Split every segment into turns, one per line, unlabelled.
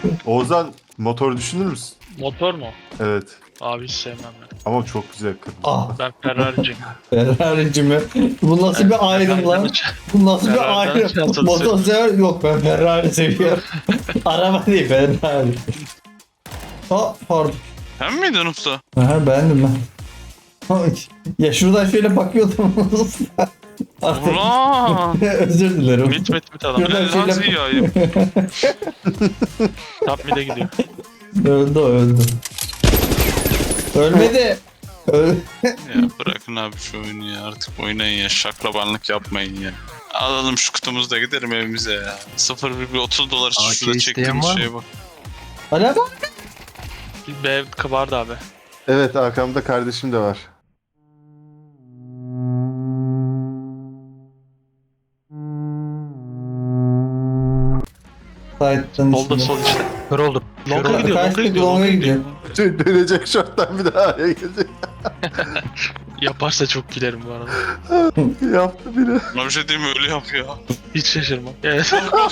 Oğuzhan motor düşünür müsün?
Motor mu?
Evet.
Abi hiç sevmem ben.
Ama çok güzel kırmızı.
Ah,
Ben Ferrari'ciyim.
Ferrari'ci mi? Bu nasıl bir ayrım lan? Bu nasıl bir
Ferrari'den
ayrım?
çantalı
Motor sever yok, ben Ferrari seviyorum. Araba değil, Ferrari. Aa, pardon.
Sen miydin usta?
Aha, beğendim ben. Ay, ya şuradan şöyle bakıyordum. Artık
Ulan!
özür dilerim.
Mit adam.
Şuradan
Lan nasıl
şöyle...
yiyeyim?
Top mid'e gidiyor.
Öldü o, öldü. Ölmedi.
Ya bırakın abi şu oyunu ya. Artık oynayın ya. Şaklabanlık yapmayın ya. Alalım şu kutumuzu da gidelim evimize ya. 0,30 dolar için
AK
şurada
isteyen
çektiğimiz
var mı?
şeye bak.
Hala bak.
Bir B vardı abi.
Evet, arkamda kardeşim de var.
Side'den
Solda
içinde.
sol işte.
Kör oldum.
Longa gidiyor,
Kaçtık,
longa gidiyor,
longa
longa
gidiyor.
gidiyor.
Dönecek şorttan bir daha araya gelecek.
Yaparsa çok gülerim bu arada.
Yaptı biri.
Buna bir şey diyeyim mi? Öyle yap ya.
Hiç şaşırmam. Evet.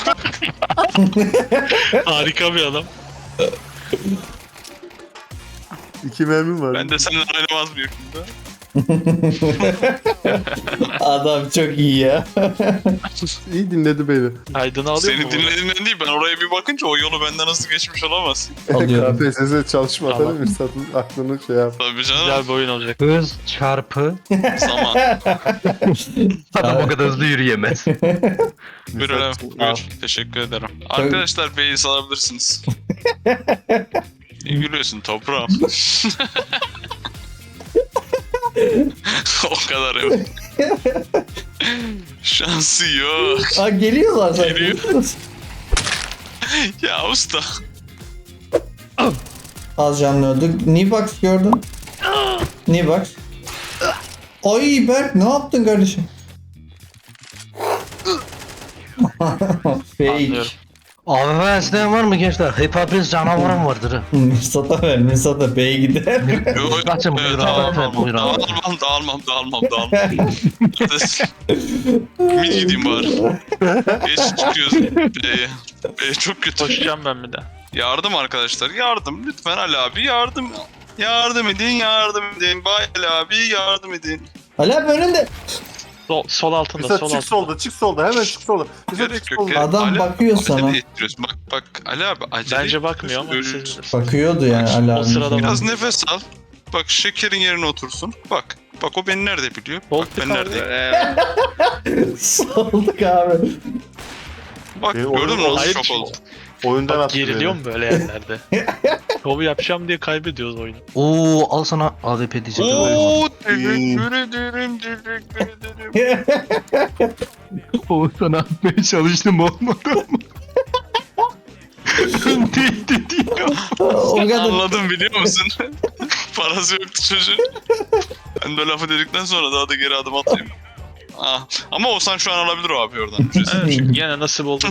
Harika bir adam.
2 mermim var.
Ben de seninle oynamaz mıyım şimdi?
Adam çok iyi ya.
İyi dinledi beni.
Aydın'ı alıyor mu?
Seni dinlediğimden değil, ben oraya bir bakınca o yolu benden nasıl geçmiş olamaz.
Alıyorum.
KPSS çalışma
Tamam.
atalım, Mirsat'ın aklını şey yap.
Tabii canım.
Güzel bir oyun olacak.
Hız çarpı.
Zaman.
Adam o kadar hızlı yürüyemez.
Buyur öyle.
Al.
Buyur. Teşekkür ederim. Arkadaşlar beyi salabilirsiniz. İyi gülüyorsun toprağım. O kadar evet. Şansı yok.
Aa, geliyorlar sanki.
Geliyor. Ya usta.
Az canlı öldük. Nibox gördün. Nibox. Ay Berk, ne yaptın kardeşim? Fake.
Anlıyorum.
AVM isteyen var mı gençler? Hepimiz canavarım vardır. ha.
Mirsat'a ver. Mirsat'a B'ye gider.
Kaçın buyur abi, efendim, buyur abi.
Dağılmam. Mid gideyim bari. Geç çıkıyoruz B'ye. B çok kötü.
Koşacağım ben bir de.
Yardım arkadaşlar, yardım. Lütfen Ali abi yardım. Yardım edin. Bay Ali abi yardım edin.
Ali abi önünde.
Sol altında,
Mirsat
sol
çık
altında.
solda, çık solda, hemen çık solda. Mirsat
Gerek
çık
yok.
solda.
gerek-
Adam
Ali-
bakıyor
acele
sana.
ettiriyorsun. Bak Ali abi acele
Bence bakmıyor ama
ettiriyorsun.
siz bilirsiniz.
Bakıyordu yani Ali
O
abi.
sırada
Biraz nefes al. Bak şekerin yerine otursun. Bak o beni nerede biliyor? Bak ben neredeyim.
Solduk abi.
Bak
Benim
gördün mü
oyun-
nasıl
Hayır,
şok oldu.
Oyundan
Bak
attı
geriliyor
beni.
mu böyle yerlerde? Şovu yapacağım diye kaybediyoruz oyunu.
Oo, al sana AWP diyecektim.
Oo teşekkür ederim.
Oo, sana atmaya çalıştım, olmadı ama. Tehdit ediyor.
O kadar.
Anladım biliyor musun? Parası yoktu çocuğun. Ben de lafı dedikten sonra daha da geri adım atayım. Ah. Ama Oğuzhan şu an alabilir o abi oradan.
Evet, yine nasip oldu.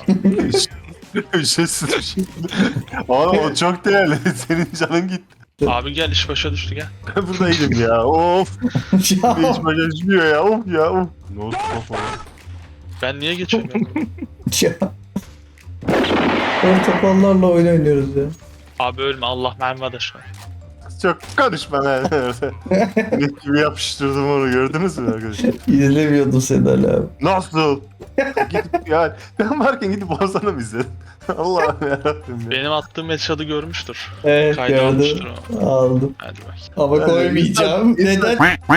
Ücretsiz. Oğlum o çok değerli. Senin canın gitti.
Abi gel, iş başa düştü gel.
Ben buradaydım ya. Of.
Ya.
Hiç başa düşmüyor ya. Of ya. Of. Ne oldu? Of.
Ben niye geçemiyorum?
Ya. Portakallarla oyun oynuyoruz ya.
Abi ölme, Allah mermi adaş var.
Çok konuşma lan. Ne gibi yapıştırdım onu, gördünüz mü arkadaşlar?
İzlemiyordum seni Ali abi.
Nasıl? Gidip yani ben varken gidip Ozan'ı mı izledin? Allah'ım yarabbim ya.
Benim attığım headshot'ı görmüştür.
Evet,
Kayda almıştır
gördüm.
o.
Aldım.
Hadi bak.
Ama
Yani
koymayacağım.
insan-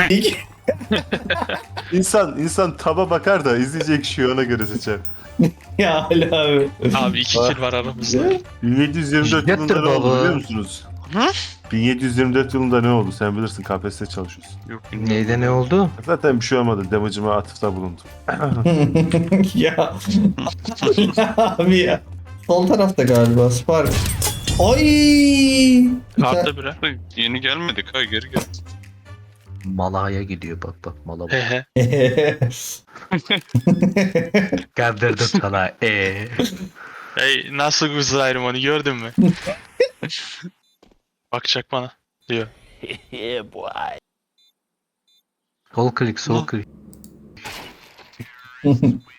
Neden?
İnsan taba bakar da izleyecek kişiyi ona göre seçer.
Ya Ali abi.
Abi 2 kill var aramızda.
1724
Getir
yılında ne oldu
baba.
biliyor musunuz?
Hı?
1724 yılında ne oldu? Sen bilirsin, KPSS'de çalışıyorsun.
Yok
Neyde ne oldu?
Zaten bir şey olmadı. Damage'ıma atıfta bulundum.
Ya. Abi ya. Sol tarafta galiba Spark. Ay!
Kartta bire.
Yeni gelmedik ha, geri gel.
Malaya gidiyor, bak mala bak.
Hehe.
Gönderdim sana.
Hey, nasıl güzelim onu gördün mü? Bakacak bana diyor.
Sol klik.